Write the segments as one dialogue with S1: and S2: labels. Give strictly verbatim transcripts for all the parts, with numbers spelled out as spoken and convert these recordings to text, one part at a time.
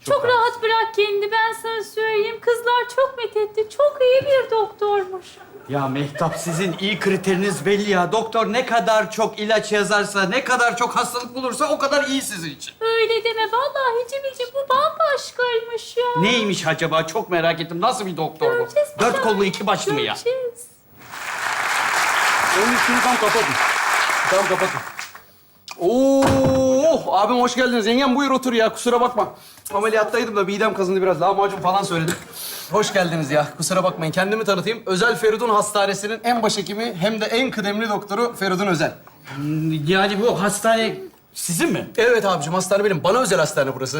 S1: Çok,
S2: Çok
S1: rahat bırak kendini, ben sana söyleyeyim. Kızlar çok methetti. Çok iyi bir doktormuş.
S2: Ya Mehtap, sizin iyi kriteriniz belli ya. Doktor ne kadar çok ilaç yazarsa, ne kadar çok hastalık bulursa o kadar iyi sizin için.
S1: Öyle deme. Vallahi Cemil'ciğim bu bambaşkaymış ya.
S2: Neymiş acaba? Çok merak ettim. Nasıl bir doktor bu?
S1: Göreceğiz.
S2: Dört kollu iki başlı mı ya?
S1: Göreceğiz.
S3: Onun üstünü tam kapatın. Tam kapatın. Oo, abim hoş geldiniz. Yengem buyur otur ya, kusura bakma. Ameliyattaydım da midem kazındı biraz. Lahmacun falan söyledim. Hoş geldiniz ya, kusura bakmayın. Kendimi tanıtayım. Özel Feridun Hastanesi'nin en başhekimi hem de en kıdemli doktoru Feridun Özel.
S2: Yani bu hastane sizin mi?
S3: Evet abicim, hastane benim. Bana özel hastane burası.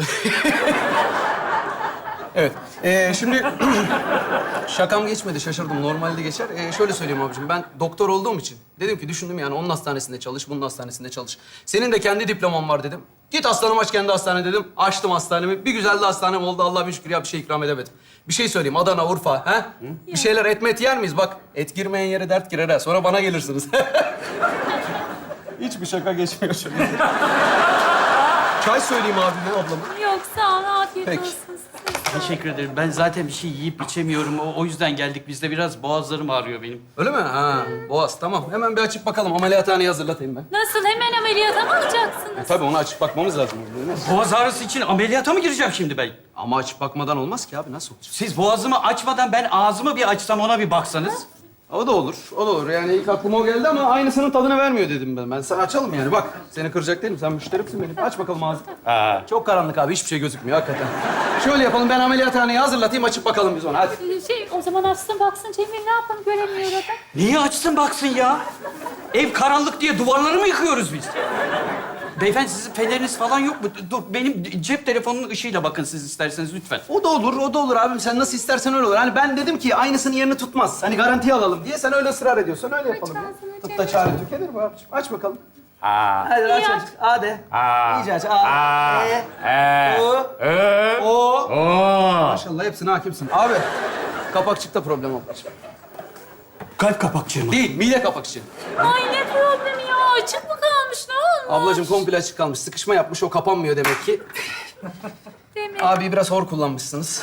S3: Evet. Ee, şimdi şakam geçmedi, şaşırdım. Normalde geçer. Ee, şöyle söyleyeyim abicim, ben doktor olduğum için dedim ki düşündüm yani onun hastanesinde çalış, bunun hastanesinde çalış. Senin de kendi diploman var dedim. Git aslanım aç kendi hastane dedim. Açtım hastanemi. Bir güzel de hastanem oldu. Allah'a bir şükür ya bir şey ikram edemedim. Bir şey söyleyeyim. Adana, Urfa, ha? Bir şeyler et met yer miyiz? Bak et girmeyen yere dert girer ha. Sonra bana gelirsiniz. Hiçbir şaka geçmiyor şimdi. Çay söyleyeyim abime, ablama.
S1: Yok sağ ol. Afiyet
S3: Peki.
S1: olsun size.
S2: Teşekkür ederim. Ben zaten bir şey yiyip içemiyorum. O, o yüzden geldik. Biz de biraz boğazlarım ağrıyor benim.
S3: Öyle mi? Ha, boğaz. Tamam. Hemen bir açıp bakalım. Ameliyathaneyi hazırlatayım ben.
S1: Nasıl? Hemen ameliyata mı alacaksınız?
S3: Tabii onu açıp bakmamız lazım.
S2: Boğaz ağrısı için ameliyata mı gireceğim şimdi ben?
S3: Ama açıp bakmadan olmaz ki abi. Nasıl olacak?
S2: Siz boğazımı açmadan ben ağzımı bir açsam ona bir baksanız.
S3: O da olur. O da olur. Yani ilk aklıma o geldi ama aynısının tadını vermiyor dedim ben. Ben sana açalım yani. Bak seni kıracak değilim. Sen müşterimsin benim. Aç bakalım ağzını.
S2: Ha.
S3: Çok karanlık abi. Hiçbir şey gözükmüyor hakikaten. Şöyle yapalım. Ben ameliyathaneyi hazırlatayım. Açıp bakalım biz ona. Hadi.
S1: Şey, o zaman açsın baksın Cemil ne yapalım göremiyor adam.
S2: Niye açsın baksın ya? Ev karanlık diye duvarları mı yıkıyoruz biz? Beyefendi sizin feneriniz falan yok mu? Dur benim cep telefonunun ışığıyla bakın siz isterseniz lütfen.
S3: O da olur. O da olur abim. Sen nasıl istersen öyle olur. Hani ben dedim ki aynısının yerini tutmaz. Hani garantiye alalım diye sen öyle ısrar ediyorsan öyle yapalım. ya.
S1: ağzını
S3: Tut da
S1: Cemil.
S3: çare tükenir mi abiciğim? Aç bakalım.
S2: Aa.
S3: Hadi aç
S1: İyi
S3: aç. A de.
S2: Aa.
S3: İyice aç. A.
S2: Aa.
S3: E.
S2: E.
S3: O.
S2: Ö.
S3: O.
S2: Oo.
S3: Maşallah hepsine hakimsin. Abi kapakçıkta problem ablacığım.
S2: Kalp kapakçığı mı?
S3: Değil, mide kapakçığı.
S1: Ay ne problemi ya? Açık mı kalmış? Ne olmuş?
S3: Ablacığım komple açık kalmış. Sıkışma yapmış, o kapanmıyor demek ki.
S1: Demek.
S3: Abi biraz hor kullanmışsınız.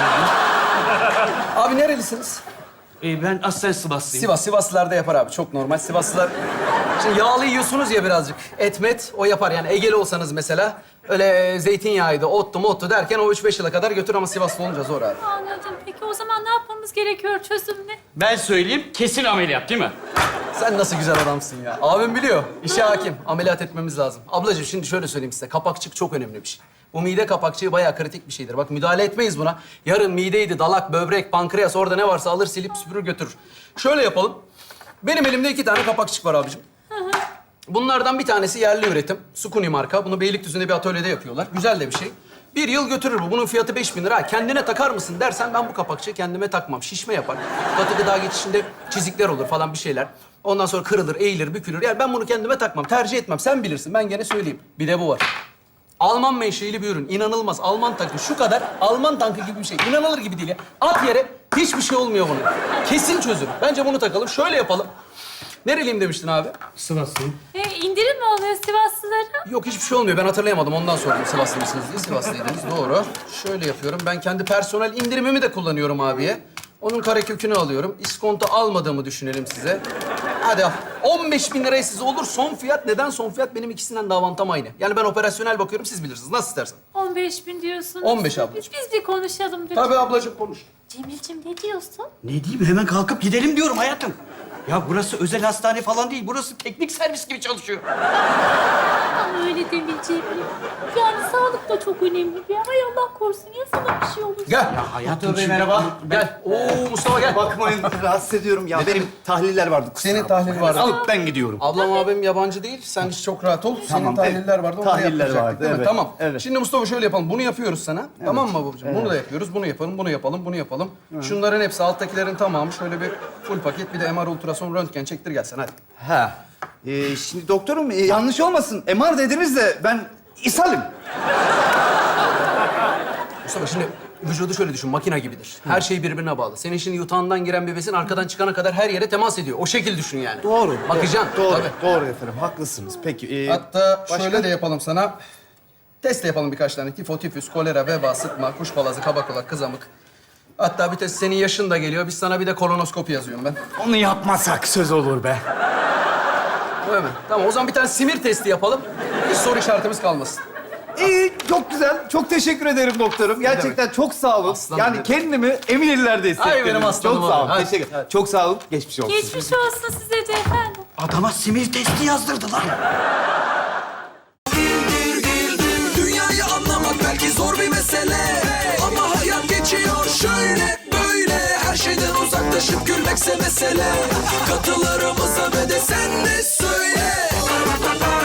S3: Abi nerelisiniz?
S2: Ee, ben aslen Sivaslıyım.
S3: Sivas. Sivaslılarda yapar abi. Çok normal. Sivaslılar... Şimdi yağlı yiyorsunuz ya birazcık. Et met o yapar. Yani Egeli olsanız mesela öyle zeytinyağıydı, ottu mottu derken o üç beş yıla kadar götür ama Sivaslı olunca zor abi.
S1: Anladım. Peki o zaman ne yapmamız gerekiyor? Çözüm ne?
S2: Ben söyleyeyim, kesin ameliyat değil mi?
S3: Sen nasıl güzel adamsın ya. Abim biliyor. İşe hakim. Ameliyat etmemiz lazım. Ablacığım şimdi şöyle söyleyeyim size. Kapakçık çok önemli bir şey. Bu mide kapakçığı bayağı kritik bir şeydir. Bak müdahale etmeyiz buna. Yarın mideydi, dalak, böbrek, pankreas orada ne varsa alır silip süpürür götürür. Şöyle yapalım. Benim elimde iki tane kapakçık var abicim. Bunlardan bir tanesi yerli üretim. Sukuni marka. Bunu Beylikdüzü'nde bir atölyede yapıyorlar. Güzel de bir şey. Bir yıl götürür bu. Bunun fiyatı beş bin lira. Ha, kendine takar mısın dersen ben bu kapakçığı kendime takmam. Şişme yapar. Katı gıda geçişinde çizikler olur falan bir şeyler. Ondan sonra kırılır, eğilir, bükülür. Yani ben bunu kendime takmam. Tercih etmem. Sen bilirsin. Ben gene söyleyeyim. Bir de bu var. Alman menşeili bir ürün. İnanılmaz. Alman tankı. Şu kadar Alman tankı gibi bir şey. İnanılır gibi değil ya. At yere hiçbir şey olmuyor bunun. Kesin çözüm. Bence bunu takalım. Şöyle yapalım. Nereliyim demiştin abi?
S2: Sivaslıyım.
S1: E, indirim mi oluyor Sivaslılara?
S3: Yok hiçbir şey olmuyor. Ben hatırlayamadım. Ondan sordum. Sivaslı mısınız diye. Sivaslıydınız. Doğru. Şöyle yapıyorum. Ben kendi personel indirimimi de kullanıyorum abiye. Onun karekökünü alıyorum. İskonto almadığımı düşünelim size. Hadi al. on beş bin liraya size olur. Son fiyat. Neden son fiyat? Benim ikisinden de avantam aynı. Yani ben operasyonel bakıyorum. Siz bilirsiniz. Nasıl istersen.
S1: on beş bin diyorsunuz.
S3: on beş ablacığım.
S1: Biz, biz bir konuşalım lütfen.
S3: Tabii ablacığım konuş.
S1: Cemil'ciğim ne diyorsun?
S2: Ne diyeyim? Hemen kalkıp gidelim diyorum hayatım. Ya burası özel hastane falan değil. Burası teknik servis gibi çalışıyor.
S1: Ama öyle deme Cemil. Yani sağlık da çok önemli bir. Hay Allah korusun ya sana bir şey olur.
S3: Gel.
S2: Ya hayatım
S4: Doktor Bey,
S2: şimdi-
S4: merhaba.
S3: Gel. Oo Mustafa gel.
S4: Bakmayın, rahatsız ediyorum ya. Benim tahliller vardı. kusura
S3: Senin
S4: bakma.
S3: tahlil vardı.
S4: Alıp ben gidiyorum.
S3: Ablam abim yabancı değil. Sen hiç çok rahat ol. Senin
S4: Tamam,
S3: tahliller
S4: evet.
S3: vardı. Onu
S4: Tahliller
S3: da yaptıracaktık,
S4: vardı,
S3: değil mi?
S4: evet.
S3: Tamam.
S4: Evet.
S3: Şimdi Mustafa şöyle yapalım. Bunu yapıyoruz sana. Tamam mı babacığım? Bunu da yapıyoruz. Bunu yapalım, bunu yapalım, bunu yapalım. Şunların hepsi alttakilerin tamamı. Şöyle bir full paket. Bir de M R ultrason röntgen çektir gelsen hadi.
S4: Ha. Ee, şimdi doktorum e, yanlış olmasın. M R dediniz de ben ishalim.
S3: Mustafa şimdi vücudu şöyle düşün. Makina gibidir. Her şey birbirine bağlı. Senin şimdi yutağından giren bir besin arkadan çıkana kadar her yere temas ediyor. O şekil düşün yani.
S4: Doğru.
S3: Bakacaksın.
S4: Doğru.
S3: Tabii.
S4: Doğru efendim. Haklısınız. Peki. e,
S3: Hatta
S4: başka?
S3: şöyle de yapalım sana. Test de yapalım birkaç tane. Tifo, tifüs, kolera, veba, sıtma, kuş palazı, kabakulak, kızamık. Hatta bir test senin yaşın da geliyor. Biz sana bir de kolonoskopi yazıyorum ben.
S4: Onu yapmasak söz olur be.
S3: Öyle mi? Tamam o zaman bir tane simir testi yapalım. Hiç soru işaretimiz kalmasın.
S4: İyi, çok güzel. Çok teşekkür ederim doktorum. Gerçekten çok sağ olun.
S3: Aslanım
S4: yani
S3: benim.
S4: kendimi emin ellerde hissettim.
S3: Ay benim aslanım
S4: Çok sağ olun.
S3: abi. Hadi.
S4: Teşekkür Çok sağ olun. Geçmiş olsun.
S1: Geçmiş olsun size de efendim.
S2: Adama simir testi yazdırdılar.
S5: Dünyayı anlamak belki zor bir mesele, ama hayat geçiyor şöyle böyle. Her şeyden uzaklaşıp gülmekse mesele. Katılarımıza ve de sen de söyle.